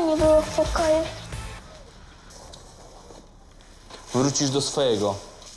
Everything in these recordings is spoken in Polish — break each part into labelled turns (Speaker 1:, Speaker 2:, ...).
Speaker 1: nie było w pokoju.
Speaker 2: Wrócisz do swojego.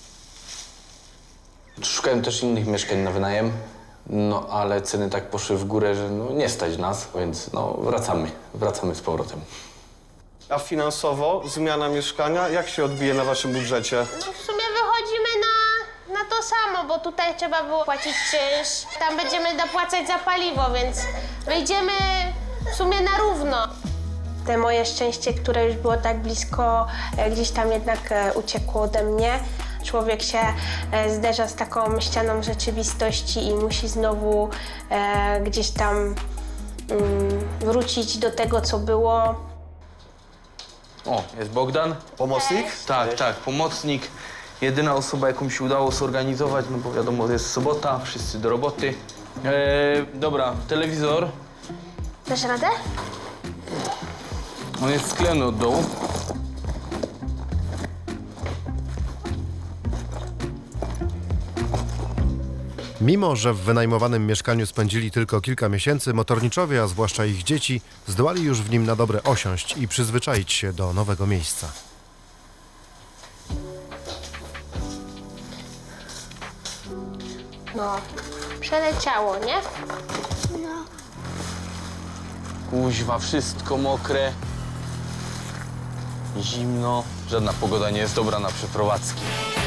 Speaker 2: Szukałem też innych mieszkań na wynajem, no ale ceny tak poszły w górę, że no, nie stać nas, więc no wracamy z powrotem.
Speaker 3: A finansowo zmiana mieszkania jak się odbije na waszym budżecie?
Speaker 4: No w sumie wychodzimy na to samo, bo tutaj trzeba było płacić czynsz. Tam będziemy dopłacać za paliwo, więc wyjdziemy w sumie na równo. Te moje szczęście, które już było tak blisko, gdzieś tam jednak uciekło ode mnie. Człowiek się zderza z taką ścianą rzeczywistości i musi znowu gdzieś tam wrócić do tego, co było.
Speaker 2: O, jest Bogdan?
Speaker 3: Pomocnik?
Speaker 2: Tak, pomocnik. Jedyna osoba, jaką się udało zorganizować, no bo wiadomo, jest sobota, wszyscy do roboty. Dobra, telewizor.
Speaker 4: Dasz radę?
Speaker 2: On jest sklejony od dołu.
Speaker 5: Mimo że w wynajmowanym mieszkaniu spędzili tylko kilka miesięcy, motorniczowie, a zwłaszcza ich dzieci, zdołali już w nim na dobre osiąść i przyzwyczaić się do nowego miejsca.
Speaker 4: No, przeleciało, nie?
Speaker 2: Kuźwa, wszystko mokre. Zimno. Żadna pogoda nie jest dobra na przeprowadzki.